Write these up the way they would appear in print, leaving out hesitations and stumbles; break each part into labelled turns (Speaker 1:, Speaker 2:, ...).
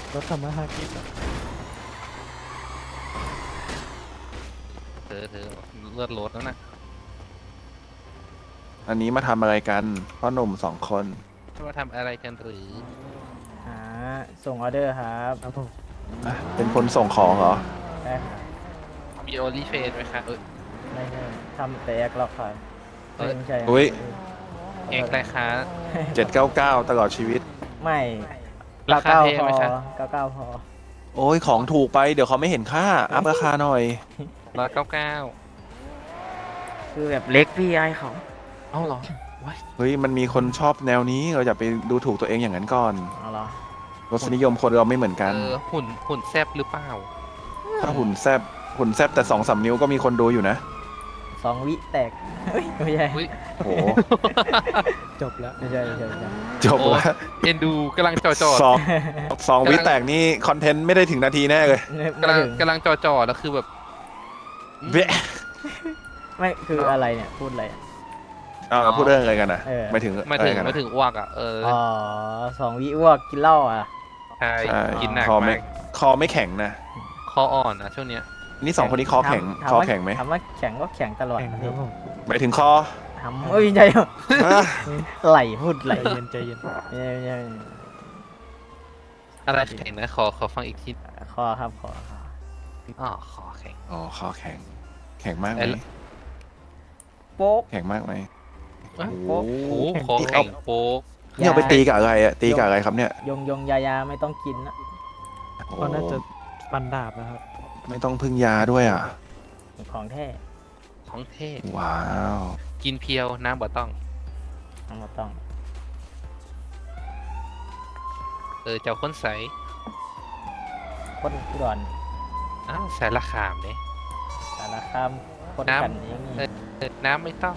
Speaker 1: รถทำมาหากินอะ
Speaker 2: เธอเลือดรถแล้วนะ
Speaker 3: อันนี้มาทำอะไรกันพ่อหนุ่ม2 คน
Speaker 2: ว่าทำอะไรกันหรือ
Speaker 4: หาส่งออเดอร์ครับ
Speaker 1: ครับผม
Speaker 3: อ่ะเป็นคนส่งของเหรอ
Speaker 4: ได้ครับ
Speaker 2: มีโอลิเฟนไหมคะ
Speaker 4: ไม่ใช่ทำแต่แอคล็อกครับ
Speaker 2: เอ้ย
Speaker 4: ไม่ใช่ครับ
Speaker 3: อุ๊ย
Speaker 2: เอกไรคะ
Speaker 3: 799ตลอดชีวิต
Speaker 4: ไม่
Speaker 2: ราคา
Speaker 4: 99
Speaker 2: แพง
Speaker 4: พอ
Speaker 2: ไหมคะ
Speaker 4: 99พอ
Speaker 3: โอ้ยของถูกไปเดี๋ยวเขาไม่เห็นค่า อัพราคาหน่อย
Speaker 2: 199
Speaker 4: คือแบบเล็กพี่ไอเขา
Speaker 2: เอ้าเหรอว้าย
Speaker 3: เฮ้ยมันมีคนชอบแนวนี้เราอย่าไปดูถูกตัวเองอย่างนั้นก่อน
Speaker 4: เอาเหรอ
Speaker 3: รสนิยมคนเราไม่เหมือนกัน
Speaker 2: หุ่นแซบหรือเปล่า
Speaker 3: ถ้าหุ่นแซบแต่2-3 นิ้วก็มีคนดูอยู่นะ
Speaker 4: 2 วิแตกเฮ้ยไม่ใช่
Speaker 2: อุ๊ย
Speaker 3: โอ้โห
Speaker 1: จบแล้ว
Speaker 4: ไม่ใช่ไม่ใช่ไม่ใช่
Speaker 3: จบแล้ว
Speaker 2: เอ็นดูกำลังจอ
Speaker 3: สองวิแตกนี่คอนเทนต์ไม่ได้ถึงนาทีแน่เลย
Speaker 2: กำลัง
Speaker 4: ไม่ถึง
Speaker 2: กำลังจอแล้วคือแบบ
Speaker 3: เบ๊ะ
Speaker 4: ไม่คืออะไรเนี่ยพูดอะไรอะ
Speaker 3: พูดเรื่องอะไรกันนะ
Speaker 4: เออ
Speaker 3: ไม่ถึง
Speaker 2: มา
Speaker 3: อะไร
Speaker 2: ถึง
Speaker 3: กัน
Speaker 2: มา
Speaker 3: นะ
Speaker 2: ถึงอ้วกอ่ะ
Speaker 4: อ๋อ2 วิอ้วกกินเหล้าอ่ะ
Speaker 2: ใช่
Speaker 3: ใช่
Speaker 2: กินหนัก
Speaker 3: คอไม่
Speaker 2: มาก
Speaker 3: คอไม่แข็งนะ
Speaker 2: คออ่อนนะช่วงเนี้ย
Speaker 3: นี่2 คนนี้คอแข็ง
Speaker 4: ถาม
Speaker 3: คอ
Speaker 4: ว่า
Speaker 3: แข็งไหม
Speaker 4: ถามว่าแข็งก็แข็งตลอด
Speaker 1: แข่ง
Speaker 4: นะ
Speaker 1: ค
Speaker 4: พี่
Speaker 1: รับผม
Speaker 3: หมายถึงคอ
Speaker 4: ทำเอ้ยไม่ใช่
Speaker 3: อ่ะ
Speaker 4: ไหลพูดไหล
Speaker 1: ใจเย็นใจเย็น
Speaker 4: ไม่ใช่ไม่ใช่
Speaker 2: อะไรแข็งนะขอฟังอีกที
Speaker 4: คอครับคอ
Speaker 2: อ๋อคอแข็ง
Speaker 3: อ๋อคอแข็ง แข็งมากไหม
Speaker 2: ไอ้
Speaker 4: โป๊ก
Speaker 3: แข็งมากไหม
Speaker 2: โอ้
Speaker 3: โอ้
Speaker 2: โห
Speaker 3: โห
Speaker 2: คอแข็งโป๊ก
Speaker 3: นี่เอาไปตีกับอะไรอะตีกับอะไรครับเนี่ย
Speaker 4: ยงยาไม่ต้องกินนะ
Speaker 3: โอ้
Speaker 1: ก็น่าจะฟันดาบนะครับ
Speaker 3: ไม่ต้องพึ่งยาด้วยอ่ะ
Speaker 4: ของแท้
Speaker 2: ของเท่
Speaker 3: ว้าว
Speaker 2: กินเพียวน้ำบ่ต้อง
Speaker 4: เอามาต้อง
Speaker 2: เจ้าคนใส
Speaker 4: คนอุดร
Speaker 2: อ้าวใส่ละขามเนี่ย
Speaker 4: สารคามคน
Speaker 2: น้ำ
Speaker 4: กันเองนี่
Speaker 2: น้ำไม่ต้อง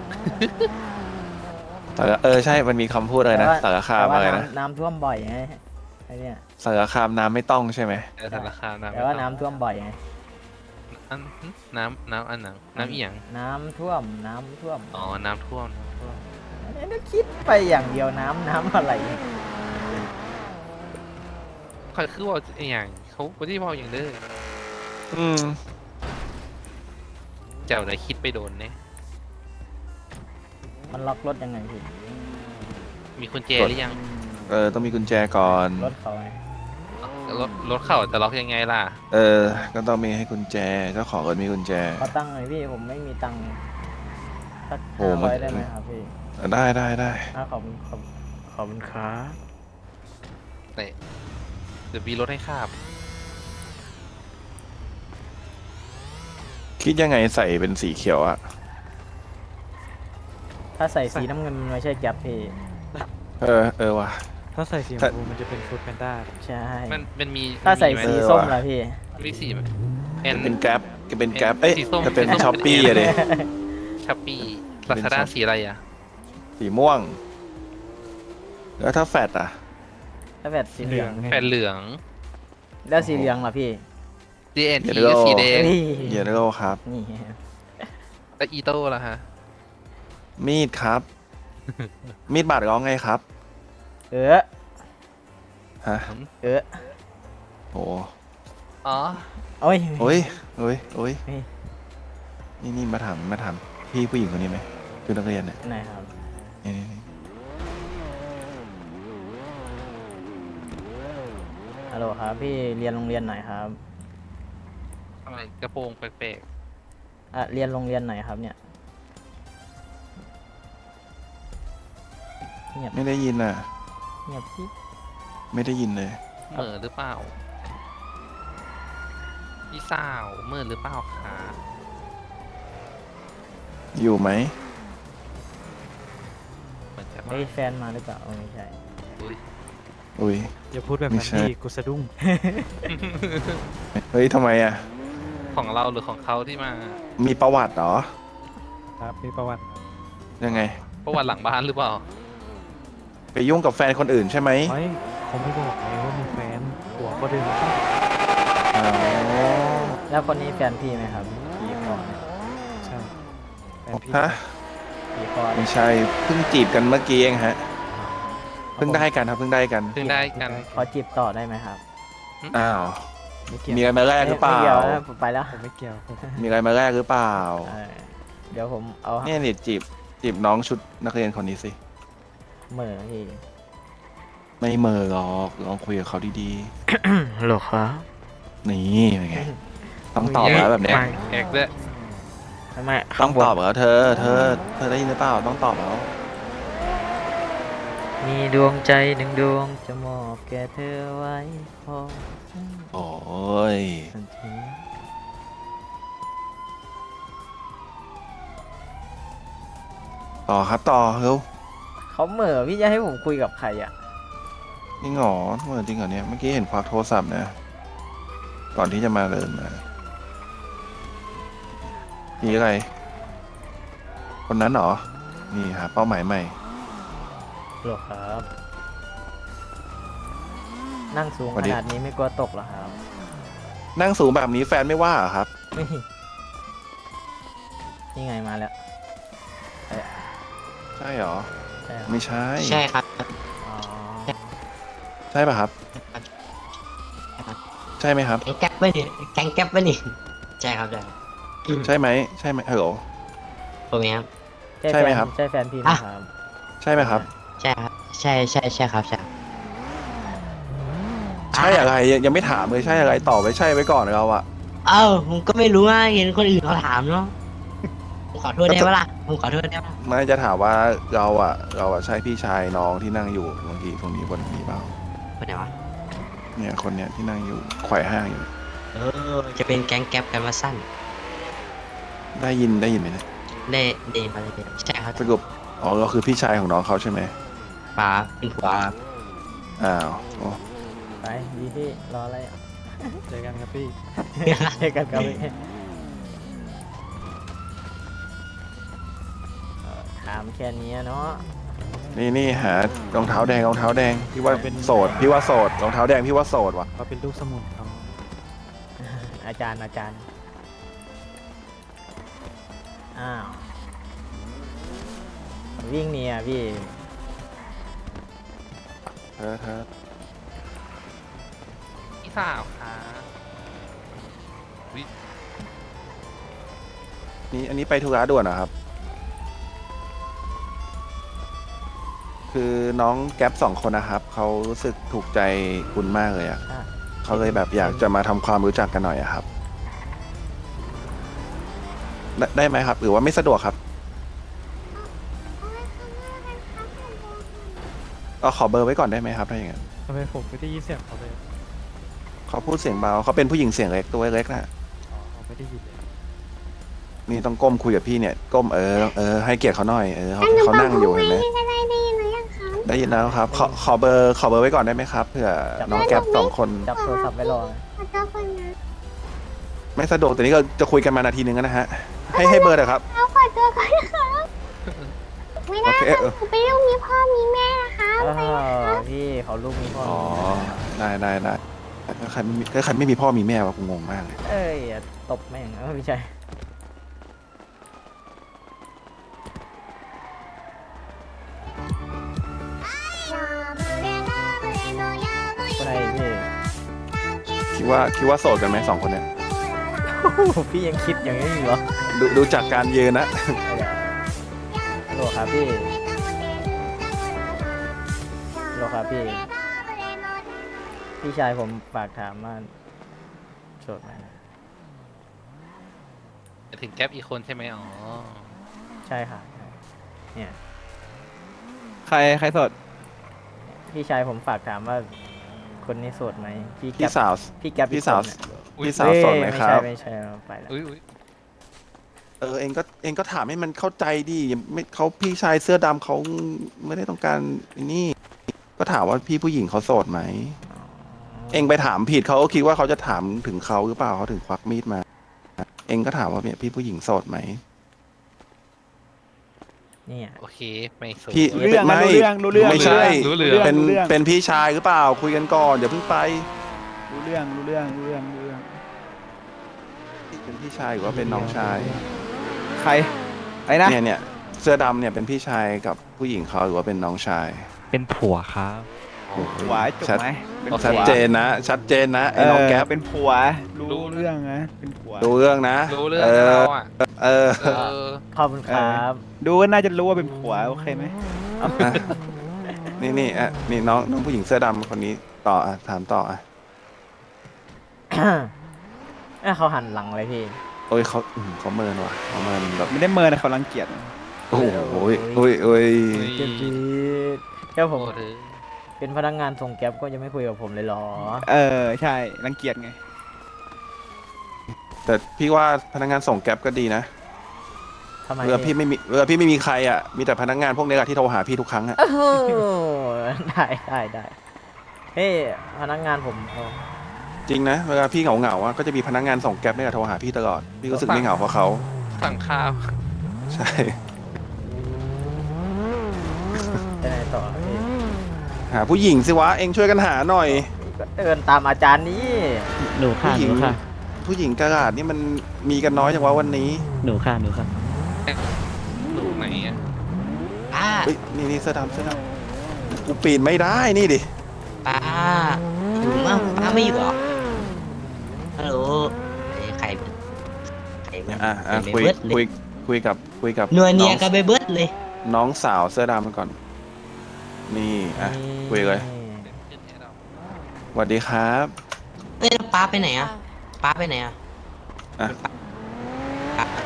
Speaker 3: ใช่ มันมีคำพูดอะไรนะสารคาม
Speaker 4: แต่ว่า
Speaker 3: อะไรนะ
Speaker 4: น้ำท่วมบ่อยไงไอเนี่ย
Speaker 3: สารคามน้ำไม่ต้องใช่ไหม
Speaker 2: ใส่ละขามน้ำ
Speaker 4: แต่
Speaker 2: ไม่
Speaker 4: ว่า
Speaker 2: ต้อง
Speaker 4: น้ำท่วมบ่อยไง
Speaker 2: อันน้ำอันหนังน้ำอีหยัง
Speaker 4: น้ำท่วม
Speaker 2: อ๋อน้ำท่วม
Speaker 4: นี่คิดไปอย่างเดียวน้ำอะไร
Speaker 2: เขาคือว่าอหย่างเขาไม่ได้บอกอย่างเด้อ
Speaker 3: อืม
Speaker 2: เจ้าไหนคิดไปโดนเนี่ย
Speaker 4: มันล็อกรถยังไงพี่
Speaker 2: มีกุญแจหรือยัง
Speaker 3: ต้องมีกุญแจก่อน
Speaker 4: รถเขาไง
Speaker 2: รถเข้าจะล็อกยังไงล่ะ
Speaker 3: ก็ต้องมีให้กุญแจ เจ้าของรถมีกุญแจ
Speaker 4: ขอตังค์หน่อยพี่ผมไม่มีตังค์สัก
Speaker 3: โอ้
Speaker 4: 500
Speaker 3: มัน
Speaker 4: ได้ไหมครับพี่
Speaker 3: ได้
Speaker 4: ขอบคุณขอบคุณครับ
Speaker 2: เดี๋ยวมีรถให้ข้าม
Speaker 3: คิดยังไงใส่เป็นสีเขียวอะ
Speaker 4: ถ้าใส่สีน้ำเงินมันไม่ใช่แก๊ปพี่
Speaker 3: ว่ะ
Speaker 1: ถ้าใส่สีช
Speaker 3: ถ้า
Speaker 1: มพูมันจะเป็นฟูดแพนด้า
Speaker 4: ใช่
Speaker 2: มันมี
Speaker 4: ถ้าใส่
Speaker 2: มีไหม
Speaker 4: สี
Speaker 3: เออ
Speaker 4: ส้ม
Speaker 3: ว่ะ
Speaker 4: ล่ะพี่
Speaker 2: มีสีไหม
Speaker 3: เป็นแกร็บเป็นแกร็บเอ้ย
Speaker 2: สีส้ม
Speaker 3: จะเป็น
Speaker 2: สีส้ม
Speaker 3: ช้อปปี้
Speaker 2: เป็น
Speaker 3: อะเด
Speaker 2: ช้อปปี้ลาซาด้าสีอะไรอ่ะ
Speaker 3: สีม่วง แล้วถ้าแฟดอะ
Speaker 4: ถ้าแบบสีเหลือง
Speaker 2: แผ่นเหลือง
Speaker 4: แล้วสีเหลืองล่ะพี่
Speaker 2: DNT
Speaker 3: เดี๋ยว
Speaker 2: ก็สีแดง
Speaker 4: เฮ้ย
Speaker 3: เยลโล่ครับ
Speaker 4: นี่
Speaker 2: แล้วอีโต้ล่ะฮะ
Speaker 3: มีดครับ มีดบาดร้องไงครับ
Speaker 4: เออ
Speaker 3: ฮะ
Speaker 4: เออ
Speaker 3: โอ้
Speaker 2: อ๋อ
Speaker 4: โอ้ย
Speaker 3: โอ้ย
Speaker 4: เฮ้ย
Speaker 3: นี่มาถามพี่ผู้หญิงคนนี้ไหมคือนักเรียนเนี่ย
Speaker 4: ไหนครับ
Speaker 3: นี่
Speaker 4: ฮัลโหลครับพี่เรียนโรงเรียนไหนครับ
Speaker 2: อะไรกระโปรงแปลก
Speaker 4: เรียนโรงเรียนไหนครับเนี่ยเงียบ
Speaker 3: ไม่ได้ยินอ่ะ
Speaker 4: เงียบพี่
Speaker 3: ไม่ได้ยินเลย
Speaker 2: ๆเหม่อหรือเปล่าพี่สาวเหม่อหรือเปล่าคะ
Speaker 3: อยู่ไหม
Speaker 2: เหมือนจะมา
Speaker 4: เฮ้ยแฟนมาหรือเปล่าไม่ใช่
Speaker 2: อุ๊ย
Speaker 3: อุ้ย
Speaker 1: อย่าพูดแบบ
Speaker 3: ไม่
Speaker 1: นั้น
Speaker 3: ใช่
Speaker 1: ดิกูสะดุ้ง
Speaker 3: เฮ้ยทำไมอ่ะ
Speaker 2: ของเราหรือของเขาที่มา
Speaker 3: มีประวัติเหรอ
Speaker 1: ครับมีประวัติ
Speaker 3: ยังไง
Speaker 2: ประวัติหลังบ้านหรือเปล่า
Speaker 3: ไปยุ่งกับแฟนคนอื่นใช่ไหม
Speaker 1: เฮ้ยเขาไม่บอกเลยว่ามีแฟนหัวก็ดึง
Speaker 3: อ๋อ
Speaker 4: แล้วคนนี้แฟนพี่ไหมครับพี่คอเนี่ย
Speaker 1: ใช่แฟนพี่
Speaker 3: ฮะ
Speaker 4: พี่คอ
Speaker 3: ไม่ใช่ เพิ่งจีบกันเมื่อกี้เองฮะ เพิ่งได้กันครับ เพิ่งได้กัน
Speaker 2: เพิ่งได้กัน
Speaker 4: ขอจีบต่อได้ไหมครับ
Speaker 3: อ้าว
Speaker 1: ไม่เกี่ยว
Speaker 3: มีอะไรมาแลกหรือเปล่า
Speaker 4: ไม่เกี่ยวนะผมไปแล้ว
Speaker 1: ผมไม่เกี่ยวผม
Speaker 3: มีอะไรมาแลกหรือเปล่า
Speaker 4: เออเดี๋ยวผมเอา
Speaker 3: เนี่ยนี่จีบน้องชุดนักเรียนคนนี้สิ
Speaker 4: เหม่อพี่
Speaker 3: ไม่เหมอหรอกลองคุยกับเขาดี
Speaker 4: ฮัลโหลครับ
Speaker 3: ๆ นี่เป็นไง ต้องตอบแล้วแบบเนี้ย
Speaker 2: แอกด้วย
Speaker 4: ทำไม
Speaker 3: ต้
Speaker 4: ข้า
Speaker 3: อง
Speaker 4: งบน
Speaker 3: ตอบแล้วเธอได้ยินหรือเปล่า ต้องตอบแล้ว
Speaker 4: มีดวงใจหนึ่งดวงจะมอบแก่เธอไว้พอ
Speaker 3: โอ้ย
Speaker 4: ทันที
Speaker 3: ต่อครับต่อเร็ว
Speaker 4: เขาเหม่อพี่จะให้ผมคุยกับใครอ่ะ
Speaker 3: นี่หงอเหมือนจริงเหรอเนี่ย เมื่อกี้เห็นควักโทรศัพท์นะ ก่อนที่จะมาเดินมานี่อะไร คนนั้นเหรอ นี่หาเป้าหมายใหม่
Speaker 4: ฮัลโหลครับ นั่งสูง
Speaker 3: สวั
Speaker 4: ข
Speaker 3: สดี
Speaker 4: นาดนี้ไม่กลัวตกเหรอครับ
Speaker 3: นั่งสูงแบบนี้แฟนไม่ว่าเหรอครับ
Speaker 4: นี่นี่ไงมาแล้ว
Speaker 3: ใช่เหรอ
Speaker 4: ใช่เหรอ
Speaker 3: ไม่ใช่
Speaker 5: ใช่ครับ
Speaker 4: อ๋อ
Speaker 3: ใช่ป่ะครับ ใช่ไหมครับ
Speaker 5: แก๊งแก๊ปปะเนี่ยแก๊งแก๊ปปะเนี่ยใช่ครับใช่ครับ
Speaker 3: ใช่ไหมใช่ไหมฮัลโหล
Speaker 5: ผมเองครับ
Speaker 3: ใช่ไหมครับ
Speaker 4: ใช่แฟนพี่ไหมครับ
Speaker 3: ใช่ไหมครับ
Speaker 5: ใช่ครับใช่ใช่ใช่ครับใช่ครับ
Speaker 3: ใช่อะไรยังไม่ถามเลยใช่อะไรตอบไปใช่ไว้ก่อนเราอะ
Speaker 5: เอ้าผมก็ไม่รู้ว่าเห็นคนอื่นเขาถามเนาะผมขอโทษได้ปะล่ะผมขอโทษได้ปะ
Speaker 3: ไม่จะถามว่าเราอะใช่พี่ชายน้องที่นั่งอยู่เมื่อกี้ตรงนี้คนนี้เปล่า
Speaker 5: คนไหนวะ
Speaker 3: เนี่ยคนเนี้ยที่นั่งอยู่ไขว่ห้างอยู่
Speaker 5: จะเป็นแก๊งแก๊ปกันมาสั้น
Speaker 3: ได้ยินไหมเนี่ย
Speaker 5: ได้เดนมาเลยใช่ครับ
Speaker 3: สรุปอ๋อเราคือพี่ชายของน้องเขาใช่ไหม
Speaker 5: ป๋าเป็นผัวครับ
Speaker 3: อ้าวโอ้
Speaker 4: ไปดีพี่รออะไรอ่ะ
Speaker 1: เจอกันครับพี่
Speaker 4: เจอกันครับพี่ถามแค่นี้เนาะ
Speaker 3: นี่หารองเท้าแดงพี่ว่าโสดพี่ว่าโสดรองเท้าแดงพี่ว่าโสดว่ะ
Speaker 1: เขาเป็นลูกสมุนเขา
Speaker 4: อาจารย์อ้าววิ่งหนีอ่ะพี่
Speaker 3: เธอ
Speaker 2: พี่สาวค่ะอุ๊ย
Speaker 3: นี่อันนี้ไปธุระด่วนเหรอครับ คือน้องแก๊ป2 คนนะครับเขารู้สึกถูกใจคุณมากเลยอะ
Speaker 4: อ่ะ
Speaker 3: เขาเลยแบบอยากจะมาทำความรู้จักกันหน่อยอะครับ ได้ไหมครับ หรือว่าไม่สะดวกครับก็ขอเบอร์ไว้ก่อนได้ไหมครับถ้าอย่างนั้น
Speaker 1: ทำไมผมไม่ได้ยินเสียงเขาเลย
Speaker 3: เขาพูดเสียงเบาเขาเป็นผู้หญิงเสียงเล็กตัวเล็กนะ
Speaker 1: อ๋อผมไม่ได้ยินเลย
Speaker 3: นี่ต้องก้มคุยกับพี่เนี่ยก้มให้เกียรติเขาหน่อยเขานั่งอยู่เห็นไหม
Speaker 6: ได้ยินหรือยังคะ
Speaker 3: ได้ยินแล้วครับขอเบอร์ไว้ก่อนได้ไหมครับเผื่อน้องแก๊ป2 คน
Speaker 4: จับโทรศัพท์ไว้รอ
Speaker 6: ขอโทษคนนะ
Speaker 3: ไม่สะดวกแต่นี้ก็จะคุยกันมานาทีนึงแล้วนะฮะให้เบอร์เถอะครับ
Speaker 6: เอาขอตัวก่อนนะคะไม่ได้
Speaker 3: โอเค
Speaker 6: ค่ะหนูเป็นลูกมีพ่อมีแม่นะคะ
Speaker 4: พี่เขาลูกมีพ่อ
Speaker 3: อ๋อ
Speaker 4: มีแม่
Speaker 3: ได้ถ้าใครไม่มีพ่อมีแม่วะกูงงมากเลย
Speaker 4: เอ้ยอย่าตบแม่งไม่ใช่คนไหนพี่
Speaker 3: คิดว่าโสดกันไหม2 คนเนี่ย
Speaker 4: พี่ยังคิดอย่างนี้อยู่เหรอ
Speaker 3: ดูจากการยืนนะ
Speaker 4: ฮัลโหลครับพี่ฮัลโหลครับพี่ พี่ชายผมฝากถามว่าโสดไหม
Speaker 2: จะถึงแก๊ปอีกคนใช่ไหมอ๋อ
Speaker 4: ใช่ค่ะเนี่ย
Speaker 7: ใครสด
Speaker 4: พี่ชายผมฝากถามว่าคนนี้โสดไหมพี่แก๊
Speaker 3: พี่
Speaker 4: ป
Speaker 3: สาว
Speaker 4: พี่แก๊ป
Speaker 3: พี่สาว
Speaker 4: อีกคนน่ะ
Speaker 2: อุ๊ย
Speaker 3: พี่สาวโสดไหมครับ
Speaker 4: ไม่ใช่ไปแล้ว
Speaker 2: อุ้ย
Speaker 3: เองก็ถามให้มันเข้าใจดิไม่เขาพี่ชายเสื้อดำเขาไม่ได้ต้องการไอ้นี่ ก็ถามว่าพี่ผู้หญิงเขาโสดไหม เองไปถามผิดเขาก็คิดว่าเขาจะถามถึงเขาหรือเปล่าเขาถึงควักมีดมา เองก็ถามว่าเนี่ยพี่ผู้หญิงโสดไหม
Speaker 4: เนี่ย
Speaker 2: โอเคไม่สน
Speaker 3: พี่
Speaker 7: รู้เรื่อง
Speaker 3: ไม่
Speaker 7: รู้เรื่อง
Speaker 3: ไม่ใช่
Speaker 2: รู้เรื่อง
Speaker 3: เป็นพี่ชายหรือเปล่า คุยกันก่อนเดี๋ยวเพิ่งไป
Speaker 7: รู้เรื่อง
Speaker 3: เป็นพี่ชายหรือว่าเป็นน้องชาย
Speaker 7: ใครไอ้นะ
Speaker 3: เนี่ยเสื้อดำเนี่ยเป็นพี่ชายกับผู้หญิงเขาหรือว่าเป็นน้องชาย
Speaker 1: เป็นผัวครับ
Speaker 2: อ๋อ
Speaker 3: โอ้โห
Speaker 7: ผัวจุก
Speaker 3: ชัด
Speaker 7: ไหมเป็น
Speaker 3: ชัด
Speaker 7: ผัว
Speaker 3: เจนนะ ชัดเจนนะไอ้น้องแก๊ป
Speaker 7: เป็นผัวรู้เรื่องนะเป็นผัว
Speaker 3: ดูเรื่องนะ
Speaker 2: รู้เรื่องนะเราอ่ะ
Speaker 3: เออ
Speaker 2: เออ
Speaker 4: ขอบคุณครับ
Speaker 7: ดูก็น่าจะรู้ว่าเป็นผัวโอเคไหม
Speaker 3: อ่ะนี่อ่ะนี่น้องผู้หญิงเสื้อดำคนนี้ต่ออ่ะถามต่ออ่ะ
Speaker 4: เขาหันหลังเลยพี่
Speaker 3: โอ้ยเขาเมินว่ะเขาเมินแบบ
Speaker 7: ไม่ได้เมินนะเขารังเกียจ
Speaker 3: โอ้โหโอ้ยโอ้ยโอ้ย
Speaker 4: เจ็บจี๊ดแค่ผม
Speaker 2: โอ้เธอ
Speaker 4: เป็นพนักงานส่งแก๊ปก็ยังไม่คุยกับผมเลยเหรอ
Speaker 7: ใช่รังเกียจไง
Speaker 3: แต่พี่ว่าพนักงานส่งแก๊ปก็ดีนะ
Speaker 4: ทำไม
Speaker 3: เรือพี่ไม่มีใครอ่ะมีแต่พนักงานพวกนี้แหละที่โทรหาพี่ทุกครั้งอ่ะ
Speaker 4: โอ้โหได้เฮ้ยพนักงานผมเขา
Speaker 3: จริงนะเวลาพี่เหงาอ่ะก็จะมีพนักงานส่งแก๊ปเนี่ยโทรหาพี่ตลอดพี่รู้สึกไม่เหงาเพราะเขา
Speaker 2: สั่งข้าว
Speaker 3: ใช่
Speaker 4: จะไหนต่อพี่
Speaker 3: หาผู้หญิงสิวะเองช่วยกันหาหน่อย
Speaker 4: ก็เดินตามอาจารย์นี่
Speaker 5: หนูค่ะ
Speaker 3: ผู้หญิงผู้หญิงกระดาษนี่มันมีกันน้อยจังวะวันนี้
Speaker 5: หนูค่ะ
Speaker 2: หนูไหนอ่ะ
Speaker 5: ป้า
Speaker 3: เฮ้ยนี่เสื้อดำกูปีนไม่ได้นี่ดิ
Speaker 5: ป้าอยู่มั้งป้าไม่อยู่หรอฮัลโหลใครเบิด
Speaker 3: อ่ะ
Speaker 5: ไป
Speaker 3: คุย
Speaker 5: เบิดเลย
Speaker 3: คุยกับ
Speaker 5: นัวเนี
Speaker 3: น้
Speaker 5: ย
Speaker 3: อง
Speaker 5: กันไปเบิดเลย
Speaker 3: น้องสาวเสื้อดำก่อน นี่อ่ะคุยเลย
Speaker 2: ขึ้นให้เรา
Speaker 3: สวัสดีครับ
Speaker 5: เอ้ยแล้วป้าไปไหนอ่ะป้าไปไหนอ่ะ
Speaker 3: อ่ะ
Speaker 5: ป้า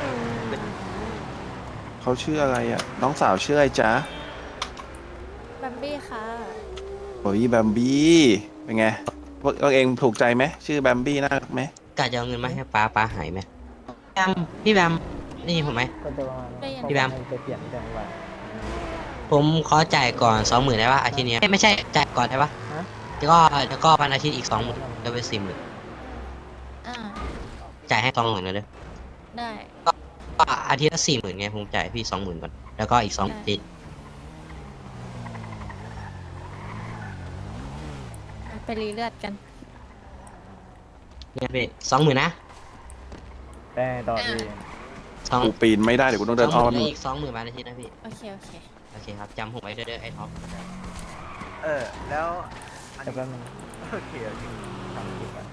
Speaker 3: เขาชื่ออะไรอ่ะน้องสาวชื่ออะไรจ๊ะ
Speaker 6: บัมบี้ค่ะ
Speaker 3: โอ้ยแบมบี้เป็นไงพวกเองถูกใจไหมชื่อแบมบี้น่ารักไหม
Speaker 5: กะจะเอาเงินมาให้ป้าหายไหมพี่แบมได้ยินผมไหม
Speaker 4: ก็จะว่า
Speaker 5: พี่แบม
Speaker 4: ไปเปลี่ยนที่จังหวัด
Speaker 5: ผมขอจ่ายก่อน20,000ได้ปะอาทิตย์นี้ไม่ใช่จ่ายก่อนได้ปะ
Speaker 4: ฮะ
Speaker 5: แล้วก็วันอาทิตย์อีก20,000ก็เป็น40,000
Speaker 6: อ่า
Speaker 5: จ่ายให้20,000เลยเด้อ
Speaker 6: ได้
Speaker 5: ก็อาทิตย์ละ40,000ไงผมจ่ายพี่20,000ก่อนแล้วก็อีก2อาทิตย์
Speaker 6: ไปรีเลือดกัน
Speaker 5: เนี่ยพี่20,000นะ
Speaker 4: แต่ต่อพี่
Speaker 5: 2
Speaker 3: กูปีนไม่ได้เดี๋ยวกูต้องเดินอ้อม
Speaker 5: อีก20,000วันอาทิตย์นะพี่
Speaker 6: โอเค
Speaker 5: โอเคครับจำผมไว้เด้อไอ้ท็อป
Speaker 7: แล้ว
Speaker 4: เดี๋ยวแป๊บนึง
Speaker 7: โอเค
Speaker 4: ทำคลิปก่อน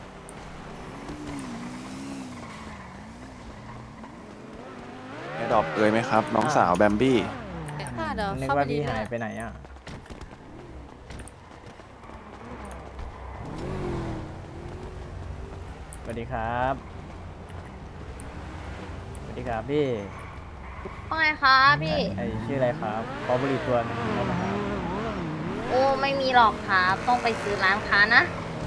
Speaker 3: แอดดอปเอ่ยไหมครับ น้องสาวแบมบี้
Speaker 6: ค่ะเดี๋ยว
Speaker 4: นึก
Speaker 6: เข้าไป
Speaker 4: ว่า
Speaker 6: รี
Speaker 4: พี่
Speaker 6: เลื
Speaker 4: หา
Speaker 6: อย ด
Speaker 4: ไปไหนอ่ะสวัสดีครับสวัสดีครับพี่
Speaker 6: ว่าไงคะพี่
Speaker 4: ไอชื่ออะไรครับขอบุหรี่ตัวหนึงได้ไหมครับ
Speaker 6: โอ้ไม่มีหรอกครับต้องไปซื้อร้านค้านะ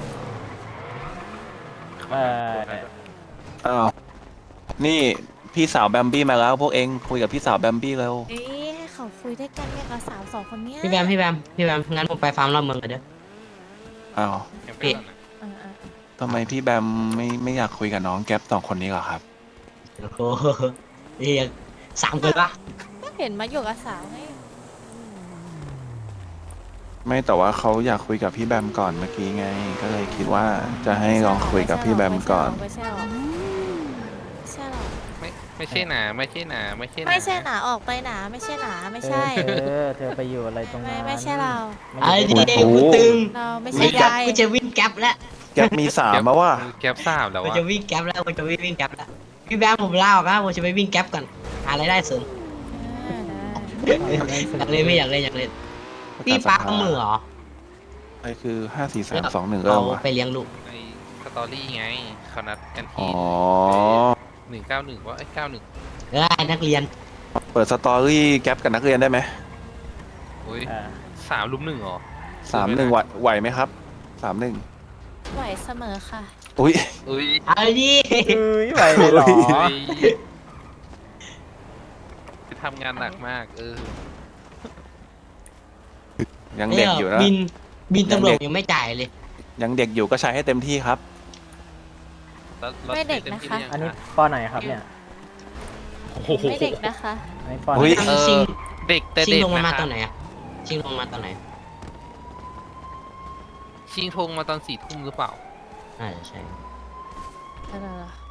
Speaker 4: เอ่อ
Speaker 3: อ้าวนี่พี่สาวแบมบี้มาแล้วพวกเองคุยกับพี่สาวแบมบี้แล้ว
Speaker 6: เอ๊ะให้เขาคุยด้วยกันเนี่ยกับสาวสองคนเนี้ย
Speaker 5: พี่แบมงั้นผมไปฟาร์มรอบเมืองกันเด้อ
Speaker 3: อ้าว
Speaker 5: พี่
Speaker 6: เออ
Speaker 3: ทำไมพี่แบมไม่อยากคุยกับน้องแก๊ปสองคนนี้เหรอครับ
Speaker 5: โอ้โหเรียก3คนปะ
Speaker 6: ก็เห็นมาอยู่กับสาวไง
Speaker 3: ไม่แต่ว่าเขาอยากคุยกับพี่แบมก่อนเมื่อกี้ไง ก็เลยคิดว่าจะให้ลองคุยกับพี่แบมก่อน
Speaker 6: ไม่ใช่หรอกไม่ใช่หรอก
Speaker 2: ไม่ใช่หนาไม่ใช่หนาไม่ใช่หนา
Speaker 6: ไม่ใช่หนาออกไปหนาไม่ใช่หนาไม่ใช่
Speaker 4: เธอไปอยู่อะไรตรงนั้น
Speaker 6: ไม่ใช่เรา
Speaker 5: ไอ้
Speaker 4: ไม่
Speaker 5: ดี
Speaker 4: ใช่
Speaker 5: กูตึง
Speaker 6: เราไม่
Speaker 5: กู
Speaker 6: ใช่
Speaker 5: จะ
Speaker 6: ยาย
Speaker 5: กูจะวิ่งแก๊ปแล้ว
Speaker 3: แก๊ปมีสามมาว่า
Speaker 2: แก๊ปทราบแล้ว
Speaker 5: กู
Speaker 2: ว่า
Speaker 5: จะวิ่งแก๊ปแล้วกูจะวิ่งแก๊ปแล้วพี่แบมผมลาออกแล้วผมจะไปวิ่งแก๊ปก่อนหารายได้เสริม อยากเล่นไม่อยากเล่นพี่ป้าเอามือเหรอ
Speaker 3: ไอ้คือ5 4 3 2 1
Speaker 5: เรา
Speaker 3: เริ่มวะ
Speaker 5: ไปเลี้ยงลูก
Speaker 2: ในสตอรี่ไงเขานัดกัน
Speaker 3: อ๋
Speaker 2: ที่
Speaker 3: อ
Speaker 2: 191ว่า91
Speaker 5: ได้นักเรียน
Speaker 3: เปิดสตอรี่แก๊ปกับนักเรียนได้ไหม
Speaker 2: อุ้ย
Speaker 4: อ่า
Speaker 2: 3 ลุม 1เหรอ
Speaker 3: 3-1ไหวไหมครับ3-1
Speaker 6: ไหวเสมอค่ะ
Speaker 3: อุ้ย
Speaker 2: อุ้ย
Speaker 5: เอาดิ
Speaker 4: ไหวเลยเหรอ
Speaker 2: ไปทำงานหนักมาก
Speaker 3: ยังเด็กอยู่นะ
Speaker 5: บินตำรวจยังไม่จ่ายเลย
Speaker 3: ยังเด็กอยู่ก็ใช้ให้เต็มที่ครับ
Speaker 2: แล้ว
Speaker 6: ไม่เด็กนะคะ
Speaker 4: อันนี้ปอไหนครับเนี่ย
Speaker 2: โอ้โห
Speaker 6: ไม่เด็กนะคะ
Speaker 4: อันนี้ปอไหน
Speaker 3: อุ๊ย
Speaker 5: ชิง
Speaker 2: เด็กแต่
Speaker 5: ชิง
Speaker 2: เด็ก
Speaker 5: ลงมา
Speaker 2: นะ
Speaker 5: ต
Speaker 2: ค
Speaker 5: อ
Speaker 2: รับ
Speaker 5: นไหนอะชิงลงมาตอนไหน
Speaker 2: ชิงธงมาตอน4 ทุ่มหรือเปล่า
Speaker 5: น่าจะใช่
Speaker 6: อะไรเหรอ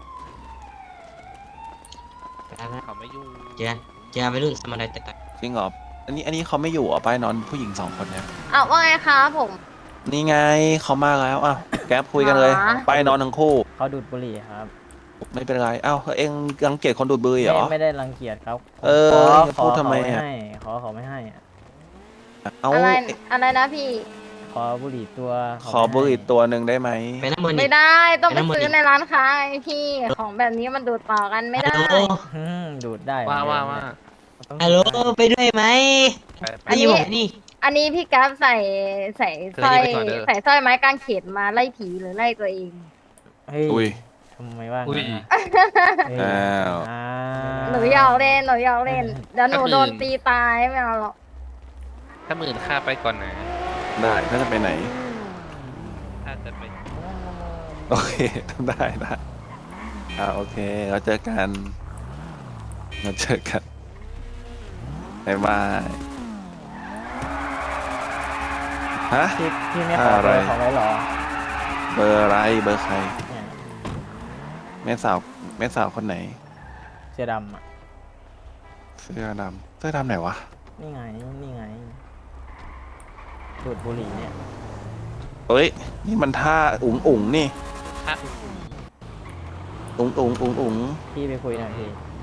Speaker 2: เขาไม่อยู่
Speaker 5: เจอไปรุ่นสมาร์ทแต่
Speaker 3: จริงเหรออันนี้เขาไม่อยู่เหรอป้ายนอนผู้หญิง2 คนเนี่ย
Speaker 6: อ้าวว่าไงคะผม
Speaker 3: นี่ไงเขามาแล้วอ่ะแก๊ปคุยกันเลย ไปนอนทั้งคู่
Speaker 4: เขาดูดบุหรี่ครับ
Speaker 3: ไม่เป็นไรอ้าวเอ็งรังเกียจคนดูดบุหรี่เหรอ
Speaker 4: ไม่ได้รังเกียจครับ
Speaker 3: เออ
Speaker 4: ข
Speaker 3: จะพูดทำไมอะ
Speaker 4: เขาไม่ให้อะ
Speaker 3: เอา
Speaker 6: อะไรอะไรนะพี่
Speaker 4: ขอบุหรี่ตัว
Speaker 3: ขอบุหรี่ตัวหนึ่งได้ไหม
Speaker 5: ไปน้ำมัน
Speaker 6: ไม่
Speaker 5: นี่
Speaker 6: ได้ต้องไป
Speaker 5: แล้วมัน
Speaker 6: ซื้อในร้านค้าไงพี่ของแบบนี้มันดูดต่อกันไม่
Speaker 5: ฮัล
Speaker 6: ได้
Speaker 5: โหล
Speaker 4: ดูดได้
Speaker 2: ว่า
Speaker 4: เหมือนเดิม
Speaker 2: ว่า
Speaker 1: ต้อง
Speaker 5: ฮัลโหลไปด้วยไหม
Speaker 2: ไปไป
Speaker 6: อันนี้
Speaker 5: นี่ผมนี่
Speaker 6: อันนี้พี่กัฟใส่สร้อย
Speaker 2: เธอหยิบไปก่อนเด้อ
Speaker 6: ใส่สร้อยไม้กางเขนมาไล่ผีหรือไล่ตัวเอง
Speaker 4: เฮ้ย
Speaker 3: อุ้ย
Speaker 4: ทำไมว่า
Speaker 2: อุ้ย
Speaker 4: งั้นอะ
Speaker 3: อ้าว
Speaker 4: อ่า
Speaker 6: หนูอยากเล่นเดี๋ยวหนูโดนตีตายไม่เอาหรอก
Speaker 2: ถ้าหมื่นค่าไปก่อนนะ
Speaker 3: ได้ถ้าจะไปไหน
Speaker 2: ถ้าจะไป
Speaker 3: โอเค ได้โอเค เราเจอกันบ๊ายบายฮะ
Speaker 4: พี่ไม่ขอ
Speaker 3: อะไร
Speaker 4: เบอร์เขาไว้เหรอ
Speaker 3: เบอร์อะไรเบอร์ใคร
Speaker 4: เนี่ย
Speaker 3: แม่สาวคนไหน
Speaker 4: เสื้อดำอ่ะ
Speaker 3: เสื้อดำไหนวะ
Speaker 4: นี่ไงดูดบุหรี่เนี่ย
Speaker 3: เอ้ย นี่มันท่าอุ๋งนี่
Speaker 2: ถ้า
Speaker 3: อุ๋ง
Speaker 4: พี่ไปคุยหน่อยพี่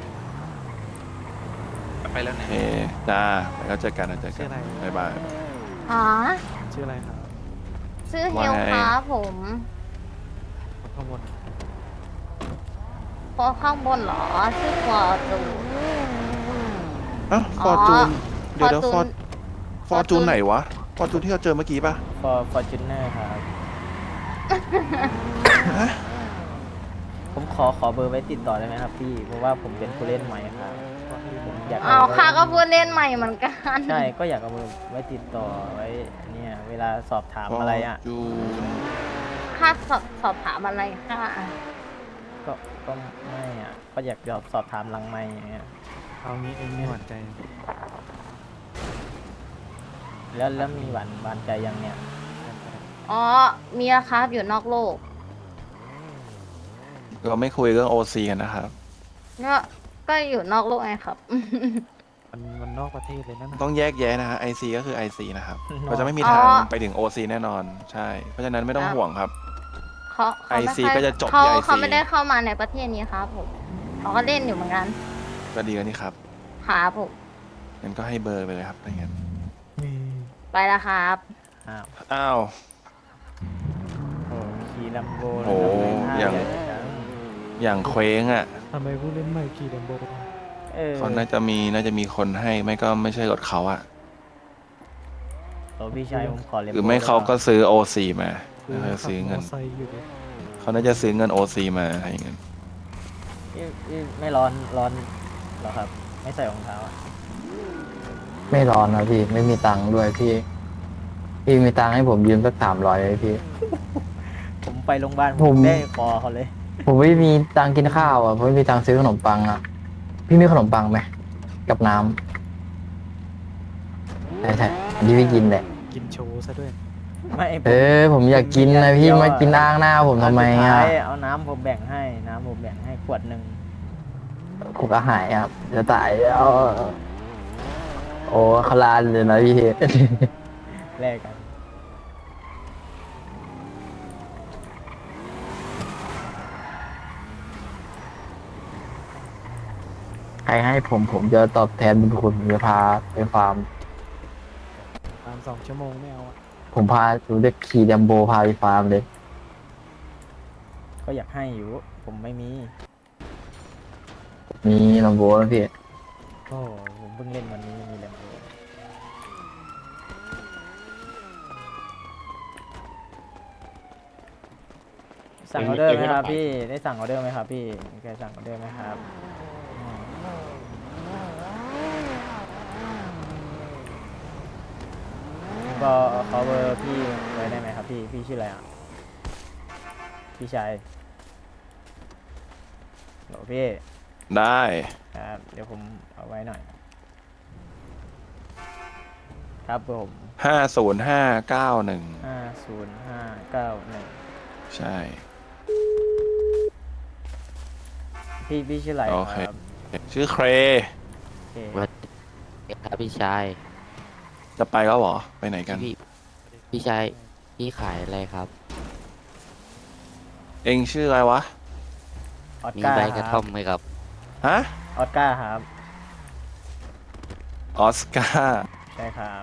Speaker 2: ไปแล้ว
Speaker 3: โอ
Speaker 2: นะ
Speaker 3: เคจ้าแล้วเจอกันบ๊ายบาย
Speaker 6: อ๋อ
Speaker 1: ชื่ออะไรครับ
Speaker 6: ชื่อเฮ
Speaker 3: ว่า
Speaker 6: ล
Speaker 3: ไง
Speaker 6: ครับผม
Speaker 1: ข้างบน
Speaker 6: พอข้างบนเหรอชื่อฟอร์จู
Speaker 3: อ้าว
Speaker 6: อ๋
Speaker 3: ฟ
Speaker 6: อ
Speaker 3: อร์จูนเดี๋ยว
Speaker 6: Fortune
Speaker 3: ฟอร์จูนไหนวะฟอร์จูนที่เราเจอเมื่อกี้ป่ะ
Speaker 4: Fortuner ครับ
Speaker 3: ฮะ
Speaker 4: ผมขอเบอร์ไว้ติดต่อได้ไหมครับพี่ เพราะว่าผมเป็นผู้เล่นใหม่ครับผมอยาก
Speaker 6: เอาค่ะก็พูดเล่นใหม่เหมือนกัน
Speaker 4: ใช่ก็อยากเอาเบอร์ไว้ติดต่อไว้เนี่ยเวลาสอบถามอะไรอ่ะ
Speaker 3: ฟร์จูน
Speaker 6: ค่าสอบถามอะไรค่ะ
Speaker 4: ก็ไม่อ่ะก็อยากสอบถามหลังไม่อย่างเงี้ย
Speaker 1: เอางี้เองมีหวั่นใจ
Speaker 4: แล้วมีหวานใจยังเนี่ย
Speaker 6: อ๋อมีแล้วครับอยู่นอกโลก
Speaker 3: เราไม่คุยเรื่องโอซีกันนะครับ
Speaker 6: ก็อยู่นอกโลกไงครับ
Speaker 1: มันนอกประเทศเลยนั่นน่ะ
Speaker 3: ต้องแยกแยะนะฮะ IC ก็คือ IC นะครับ
Speaker 4: เนอะ
Speaker 3: เราจะไม่มี
Speaker 6: อ๋อ
Speaker 3: ทางไปถึง OC แน่นอน ใช่ เพราะฉะนั้นไม่ต้องห่วงครับ
Speaker 6: เขาไม่
Speaker 3: IC
Speaker 6: ค่อย
Speaker 3: ก็จะจบที่
Speaker 6: เขา
Speaker 3: IC
Speaker 6: เขาไม่ได้เข้ามาในประเทศนี้ครับผมเขาก็เล่นอยู่เหมือนกัน
Speaker 3: ก็ดีกันนี่ครับ
Speaker 6: ครับผม
Speaker 3: งั้นก็ให้เบอร์ไปเลยครับถ้างั้น
Speaker 1: นี่
Speaker 6: ไปแล้วครับ
Speaker 4: อ้าว
Speaker 3: อ้าว
Speaker 4: โอ้ขี่ลัมโบ
Speaker 3: โอ้อย่าง อย่างเคว้งอ่ะ
Speaker 1: ทำไมผู้เล่นใหม่ขี่ดัมโบ
Speaker 3: เขาน่าจะมีคนให้ ไม่ก็ไม่ใช่รถเขาอ่ะ
Speaker 4: โอ้พี่ชายผมขอเลม
Speaker 3: หรือไม่เขาก็ซื้อ OC มาแล้วเขาซื้อเงิน
Speaker 1: มอไซค์อยู่ดิ
Speaker 3: เขาน่าจะซื้อเงิน OC มาอะไรอย่างเงี้ย
Speaker 4: ไม่ร้อนเหรอครับ ไม่ใส่รองเท้าอะ
Speaker 8: ไม่ร้อนนะพี่ไม่มีตังค์ด้วยพี่ พี่มีตังค์ให้ผมยืมสัก300เลยพี่
Speaker 4: ผมไปโรงพยาบาล
Speaker 8: ผม
Speaker 4: ได้คอเขาเลย
Speaker 8: ผมไม่มีตังค์กินข้าวอ่ะผมไม่มีตังค์ซื้อขนมปังอ่ะ พี่มีขนมปังไหมกับน้ำใช่อันนี้พี่กินแหละ
Speaker 1: กินโชว์ซะด้วย
Speaker 4: ไม่ผม
Speaker 8: ผมอยากกินนะพี่มากินอ้างหน้าผมทำไม
Speaker 4: สุด
Speaker 8: อ่ะ
Speaker 4: ท้ายเอาน้ำผมแบ่งให้ขวดหนึ่ง
Speaker 8: ผมก็หายอ่ะจะตายแล้วโอ้ขลานเลยนะพี่
Speaker 4: แลกกัน
Speaker 8: ใครให้ผมจะตอบแทนบุญคุณผมจะพาไปฟาร์ม
Speaker 1: ตาม2 ชั่วโมงไม่เอาอะ
Speaker 8: ผมพาดูเด็กขี่ดัมโบพาไปฟาร์มเลย
Speaker 4: ก็อยากให้อยู่ ผมไม่มี
Speaker 8: มีดัมโบนะพี่
Speaker 4: โอ้ผมเพิ่งเล่นวันนี้มีแลมโบสั่งออเดอร์ไหมครับพี่ได้สั่งออเดอร์ไหมครับพี่มีใครสั่งออเดอร์ไหมครับก็ขอเบอร์พี่ไว้ได้ไหมครับพี่ชื่ออะไรอ่ะพี่ชายโหลพี่
Speaker 3: ได้
Speaker 4: ครับเดี๋ยวผมเอาไว้หน่อย ครับผม
Speaker 3: 50591
Speaker 4: 50591
Speaker 3: ใช่
Speaker 4: พี่ชื่ออะไร
Speaker 3: โอเค
Speaker 4: ครับ
Speaker 3: ชื่อเคร
Speaker 4: โอเค
Speaker 5: ครับพี่ชาย
Speaker 3: จะไปแล้วเหรอ ไปไหนกัน
Speaker 5: พี่ชายพี่ขายอะไรครับ
Speaker 3: เองชื่ออะไรวะ
Speaker 4: ออส
Speaker 5: มี
Speaker 4: การ์
Speaker 5: ใบ
Speaker 4: ค
Speaker 5: กระ
Speaker 4: รั
Speaker 5: ท่อบ มไหมครับ
Speaker 3: ฮะ
Speaker 4: ออสการ์ครับ
Speaker 3: ออสการ์
Speaker 4: ใช่ครับ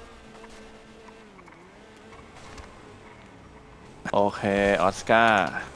Speaker 3: โอเค ออสการ์